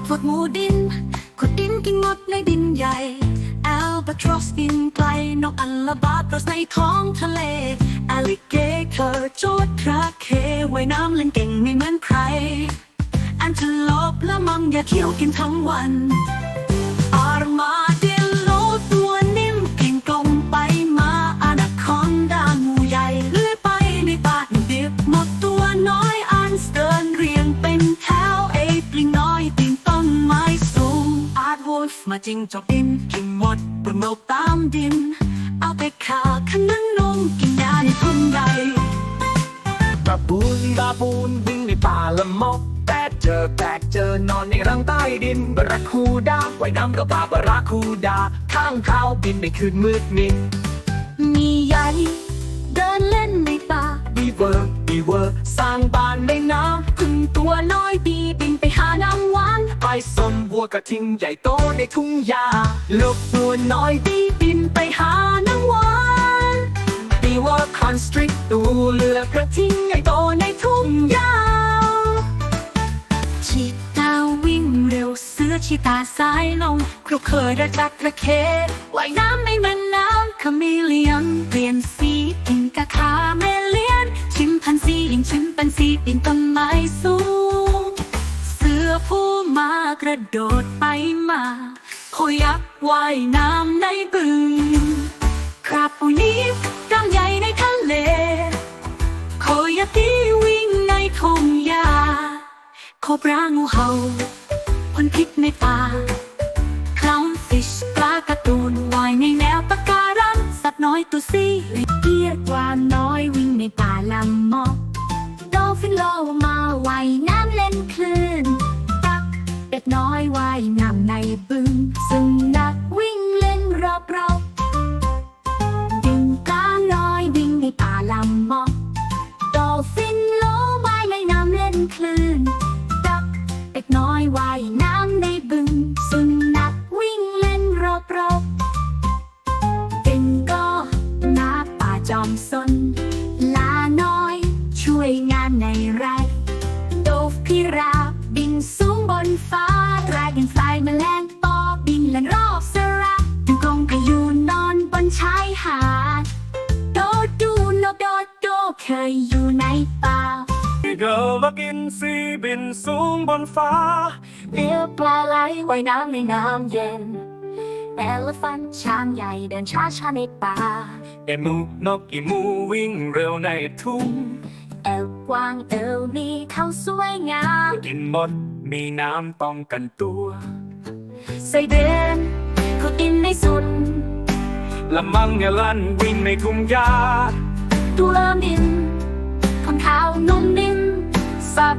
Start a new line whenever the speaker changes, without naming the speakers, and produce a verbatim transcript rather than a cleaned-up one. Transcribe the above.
พวกหมูดินขุดดินกินมดในดินใหญ่แอลบาทรอสบินไกลนกอัลบาตรอสในท้องทะเลอลิเกเตอร์โจดคราเคว่ายน้ำเล่นเก่งไม่เหมือนใครแอนเทโลปและมังอย่าเที่ยวกินทั้งวันอาร์มาเดลโลตัวนิ่มเก่งกลมไปมาอนาคอนดางูใหญ่เลื้อยไปในป่าดิบหมดตัวน้อยอันสเติร์นเรียงเป็นแถวเอปลิงน้อยปีนต้นไม้สูงอาร์ตวูฟมาจิงจอกดินกินหมดปลุกนกตามดินเอาไปขาขนันนมกินยาในทุ่งใหญ่
บาบูนบาบูนวิ่งในป่าละมกแปดเจอแปดเจอนอนในรังใต้ดินบาราคูดาว่ายน้ำกับปลาบาราคูดาข้างเขาบินในคืนมืดมิด
มีใหญ่เดินเล่นในป่า
บีเวอร์บีเวอร์สร้างบ้านในน้ำพึ่งตัวน้อยบีบินไปหาน้ำหวานไปสมวัวกระทิงใหญ่โตในทุ่งหญ้าลูกตัวน้อยบีบินไปหาน้ำหวานบีเวอร์คอนสตริกตัวเลือกกระทิงใหญ่โตในทุ่งหญ้า
ชีตาวิ่งเร็วเสือชีตาสายลงครุกเคยระจักระเคว่ายน้ำในแม่น้ำคาเมเลียนเปลี่ยนสีกินกะคาเมเลียนชิมพันซียิงชิมปันซีปีนต้นไม้สูงเสือผู้มากระโดดไปมาโคยักษ์ว่ายน้ำในบึงคราบปูนีฟกำใหญ่ในทะเลโคยาตีวิ่งในทุ่งหญ้าโคบรางูเห่าพ่นพิษในป่าคลาวน์ฟิชปลาการ์ตูนว่ายในแนวปะการังสัตว์น้อยตัวซีเกียดกวางน้อยวิ่งในป่าลำมอกดอลฟินโลมาว่ายน้ำเล่นคลื่นตักเป็ดน้อยว่ายน้ำในบึงสุนัขวิ่งเล่นรอบๆดึงกาน้อยวิ่งในป่าลำมอกดอลฟินโลว่ายในน้ำเล่นคลื่นเด็กน้อยว่ายน้ำในบึงสุนัขวิ่งเล่นรอบๆเป็นก็หน้าป่าจอมซนลาน้อยช่วยงานในไร่โดฟพิราบบินสูงบนฟ้าดราก้อนฟลายแมลงปอบินเล่นรอบสระดูกงกระยูนนอนบนชายหาดโดดดูนกโดดโดเคยอยู่ในป่า
เดินมากินซีบินสูงบนฟ้า
เรือปลาไหลว่ายน้ำในน้ำเย็นแอลฟันช้างใหญ่เดินช้าช้าในป่า
เอมูนกอีมูวิ่งเร็วในทุ่ง
แอลกวางเอลนี่เขาสวยงาม
กินหมดมีน้ำป้องกันตัว
ไซเดนเขากินในสุด
ละมังเงลันวิ่งในทุ่งหญ้า
ตัวดิน